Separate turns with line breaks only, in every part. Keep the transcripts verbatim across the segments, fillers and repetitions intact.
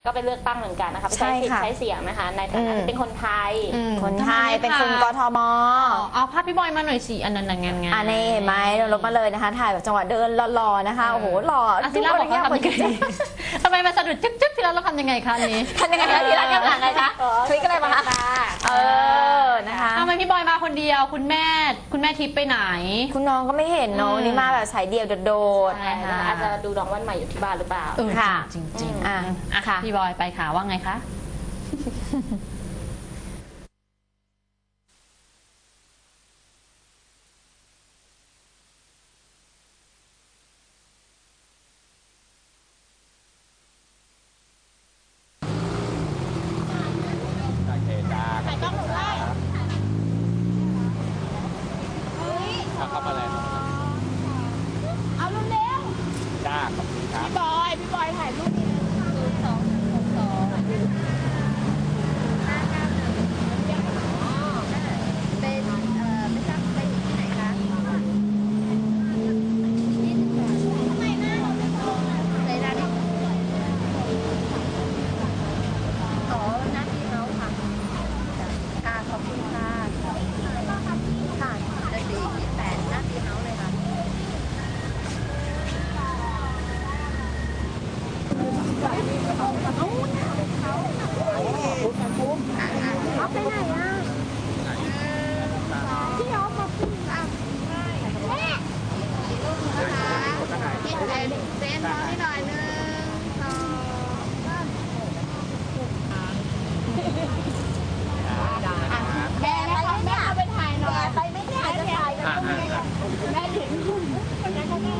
ก็ไปเลือกตั้งเหมือนกันนะคะไปใช้สิทธิ์ใช้เสียงนะคะในฐานะที่เป็นคนไทย
คนไทยเป็นคนกทม
เอาภาพพี่บอยมาหน่อยสิอันนั้นงานงาน
อันนี้เห็นไหมเราลบมาเลยนะคะถ่ายแบบจังหวะเดินหล่อๆนะคะโอ้โหหล่อ
ทีละบอกว่าทำยังไงทำไมมาสะดุดจึ๊กๆทีละเราทำยังไงคะนี้
ทำยังไงคะทีละยังไงคะคลิกอะไรมาคะเออนะคะ
ทำไมพี่บอยมาคนเดียวคุณแม่คุณแม่ทิพย์ไปไหน
คุณน้องก็ไม่เห็นน้องนี่มาแบบสายเดียวโดด
ๆนะคะอาจจะดูน้องวันใหม่อยู่ที่บ้านหรือเปล่า
ค่ะ
จริงๆอ่ะค่ะพี่บอยไปค่ะว่าไงคะ
เข้ามาเลย
เอาเร็ว
ๆจ้าขอบคุณครับ
พี่บอยพี่บอยถ่ายรูปนี้ศูนย์สองหกสองห้าเก้าหนึ่งเป็นเอ่อไม่ทราบไปอยู่ที่ไหนคะยี่สิบสองทำไมนะใส่ดาดิอ๋อหน้าที่เขาค่ะค่ะขอบคุณค่ะค่ะจะสี่ยี่สิบแปดหน้าที่เขาเลยค่ะเอาไปไหนอ่ะพี่เอามาพูดอ่ะแม่คิดเซนเซนมองให้หน่อยนึงสองแม่แม่แม่เอาไปถ่ายหน่อยไปไม่ได้จะถ่ายกันแม่ถึงคนนั้นเขาแม่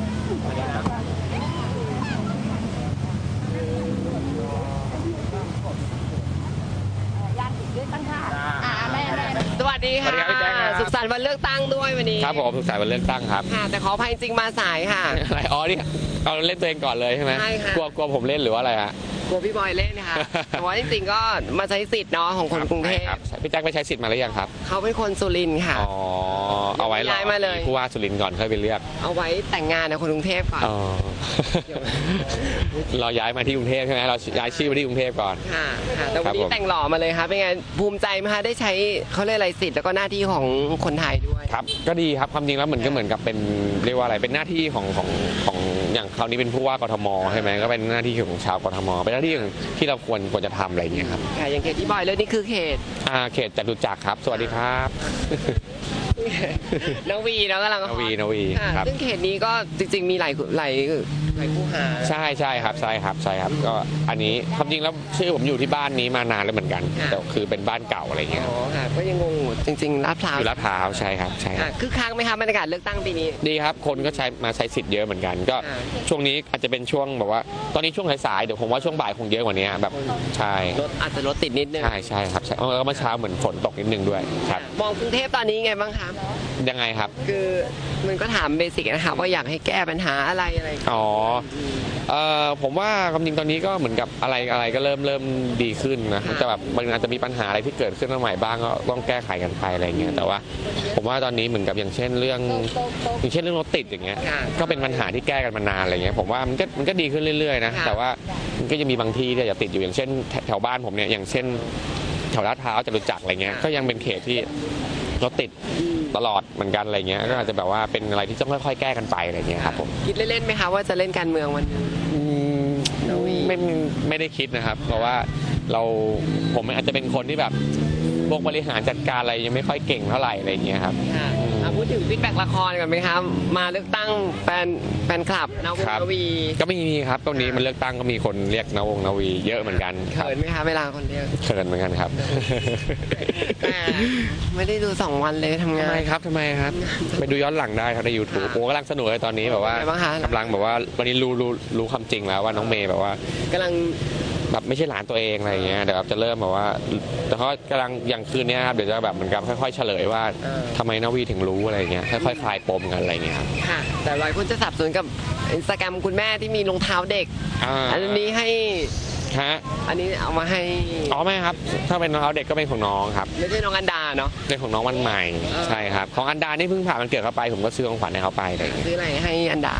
สวัสดีค่ะสุขสันต์วันเลือกตั้งด้วยวันนี้
ครับผมสุขสันต์วันเลือกตั้งครับ
ค่ะแต่ขออภัยจริงมาสายค่ะ
อะไรอ๋อนี่เอาเล่นตัวเองก่อนเลยใช่ไหม
ใช่ค่ะ
กลัวกลัวผมเล่นหรือว่าอะไรฮะ
กลัวพี่บอยเล่นค่ะแต่ว่าจริงๆก็มาใช้สิทธิ์เนาะของคนกรุงเทพ
พี่แจ็คไปใช้สิทธิ์มาหรือยังครับ
เขาเป็นคนสุรินทร์ค่ะ
อ๋อเอาไว้รอ
มาเลย
ผู้ว่าสุรินทร์ก่อนค่อยไปเลือก
เอาไว้แต่งงานในคนกรุงเทพก่อน
เราย้ายมาที่กรุงเทพใช่ไหมเราย้ายชื่อมาที่กรุงเทพก่อน
ค่ะแต่วันนี้แต่งหล่อมาเลยครับเป็นไงภูมิใจไหมคะได้ใช้เขาเรียกอะไรสิทธิ์แล้วก็หน้าที่ของคนไทยด้วย
ครับก็ดีครับความจริงแล้วเหมือนก็เหมือนกับเป็นเรียกว่าอะไรเป็นหน้าที่ของของของอย่างคราวนี้เป็นผู้ว่ากทมใช่ไหมก็เป็นหน้าที่ของชาวกทมเป็นหน้าที่ที่เราควรควรจะทำอะไรอย่างเงี้ยครับ
ค่ะอย่างเขตที่บอยเลยนี่คือเขต
อ่าเขตจตุจักรครับสวัสดีครับ
นวีแล้วกำลัง
นวีนวีครับ
ซึ่งเขตนี้ก็จริงๆมีหลายหลายหลายคู่หา
ใช่ใช่ครับใช่ครับใช่ครับก็อันนี้ความจริงแล้วชื่อผมอยู่ที่บ้านนี้มานานแล้วเหมือนกันแต่คือเป็นบ้านเก่าอะไรเงี้ย
อ๋อค่ะก็ยังงงจริงๆลาดพร้าว
อยู่ลาดพร้าวใช่ครับใช่
คือค้างไหมครับบรรยากาศเลือกตั้งปีนี้
ดีครับคนก็ใช้มาใช้สิทธิ์เยอะเหมือนกันก็ช่วงนี้อาจจะเป็นช่วงแบบว่าตอนนี้ช่วงสายๆเดี๋ยวผมว่าช่วงบ่ายคงเยอะกว่านี้แบบใช่
รถอาจจะรถติดนิดนึง
ใช่ใช่ครับใช่แล้วเมื่อเช้าเหมือนฝนตกนิดนึงด้วยครับ
มองกรุงเทพตอนนี้ไงบ้างครับ
ยังไงครับ
คือมันก็ถามเบสิกนะครับว่าอยากให้แก้ปัญหาอะไรอะไร
อ๋อเอ่อผมว่าความจริงตอนนี้ก็เหมือนกับอะไรอะไรก็เริ่มเริ่มดีขึ้นนะแต่แบบมันอาจจะมีปัญหาอะไรที่เกิดขึ้นมาใหม่บ้างก็ต้องแก้ไขกันไปอะไรเงี้ยแต่ว่าผมว่าตอนนี้เหมือนกับอย่างเช่นเรื่องอย่างเช่นเรื่องรถติดอย่างเงี้ยก็เป็นปัญหาที่แก้กันมานานอะไรเงี้ยผมว่ามันก็มันก็ดีขึ้นเรื่อยๆนะแต่ว่ามันก็ยังมีบางที่ที่จะติดอยู่อย่างเช่นแถวบ้านผมเนี่ยอย่างเช่นแถวลาดพร้าวจตุจักรอะไรเงี้ยก็ยังเป็นเขตที่รถติดตลอดเหมือนกันอะไรเงี้ยก็อาจจะแบบว่าเป็นอะไรที่ต้องค่อยๆแก้กันไปอะไรเงี้ยครับผม
คิดเล่นๆไหมคะว่าจะเล่นการเมืองวัน
ไม่ไม่ได้คิดนะครับเพราะว่าเราผมอาจจะเป็นคนที่แบบพวกบริหารจัดการอะไรยังไม่ค่อยเก่งเท่าไหร่อะไรเงี้ยครับ
พูดถึงฟีดแบ็กละครกันไหมครับมาเลือกตั้งแฟนแฟนคลับนวงนวี
ก็มีครับตรงนี้มันเลือกตั้งก็มีคนเรียกนวงนวีเยอะเหมือนกัน
เขินไหมคะเวลาคนเรียก
เขินเหมือนกันครับ
แต่ไม่ได้ดูสองวันเลยทำงาน
ทำไมครับทำไมครับไปดูย้อนหลังได้ครับใน ยูทูบ โอ้กำลังสนุกเลยตอนนี้แบบว่ากำลังแบบว่าวันนี้รู้รู้รู้ความจริงแล้วว่าน้องเมย์แบบว่าก
ำลัง
แบบไม่ใช่หลานตัวเองอะไรเงี้ยเดี๋ยวจะเริ่มแบบว่าแต่เขากำลังอย่างคืนนี้ครับเดี๋ยวจะแบบเหมือนกับค่อยๆเฉลยว่าทำไมนวีถึงรู้อะไรเงี้ยค่อยๆคลายปมกันอะไรเงี้ยครับ
ค่ะแต่หลายคนจะสับสนกับอินสตาแกรมคุณแม่ที่มีรองเท้าเด็กอันนี้ให้
ฮะ
อันนี้เอามาให้
อ๋อไม่ครับถ้าเป็นรองเท้าเด็กก็เป็นของน้องครับ
ไม่ใช่น้องอันดาเนาะ
เป็นของน้องวันใหม่ใช่ครับของอันดานี่เพิ่งผ่านวันเกิดเขาไปผมก็ซื้อของขวัญให้เขาไปอะไร
ซื้ออะไรให้อันดา
ซ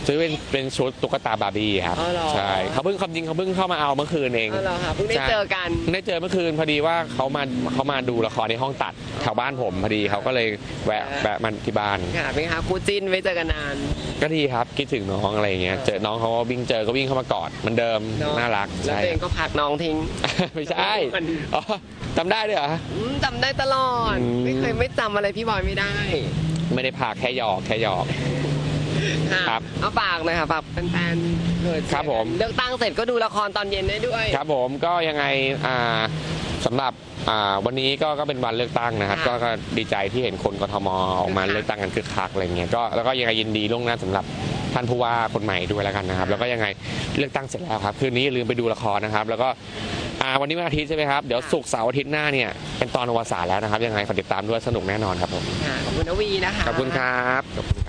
ซื้อเป็นเป็นชุดตุ๊กตาบาร์บี้ครับ
อ๋อเหรอ
ใช่เขาเพิ่งความจริงเขาเพิ่งเข้ามาเอาเมื่อคืนเอง
อ๋อเหรอคะเพิ่งได้เจอกัน
ได้เจอเมื่อคืนพอดีว่าเขามาเขามาดูละครในห้องตัดแถวบ้านผมพอดีเขาก็เลยแวะแวะมาที่บ้าน
ค่ะเป็นไงคะคู่จิ้นไม่เจอกันนาน
ก็ดีครับคิดถึงน้องอะไรอย่างเงี้ยเจอน้องเขาก็วิ่งเจอก็วิ่งเข้ามากอดเหมือนเดิม
เอะ
น่ารัก
แล้ว
ใช่
ตัวเองก็พักน้องทิ้ง
ไม่ใช่
มัน
อ๋อจำได้ด้วยเหรอ
อืมจำได้ตลอด
อืม
ไม่เคยไม่จำอะไรพี่บอยไม่ได้
ไม่ได้พาแค่หยอกแค่หยอก
ะ
ครับ
เอาฝากหน่อยค่ะฝากแฟนๆเกิด
ครับผม
เลือกตั้งเสร็จก็ดูละครตอนเย็นได้ด้วย
ครับผมก็ยังไงอ่าสำหรับอ่าวันนี้ก็ก็เป็นวันเลือกตั้งนะครับ
ค่ะ
ก็ก็ดีใจที่เห็นคนกทมออกมา
คึกคัก
เลือกตั้งกันคึกคักอะไรเงี้ยก็แล้วก็ยังไงยินดีล่วงหน้าสำหรับท่านผู้ว่าคนใหม่ด้วยแล้วกันนะครับ แล้วก็ยังไงเลือกตั้งเสร็จแล้วครับคืนนี้อย่าลืมไปดูละครนะครับ แล้วก็อ่าวันนี้วันอาทิตย์ใช่ไหมครับเดี๋ยวศุกร์เสาร์อาทิตย์หน้าเนี่ยเป็นตอนอวสานแล้วนะครับยังไงฝากติดตามด้วยสนุกแน่นอนครับผม
ค่ะขอบคุณนวีนะคะ
ขอบคุณครับขอบคุณ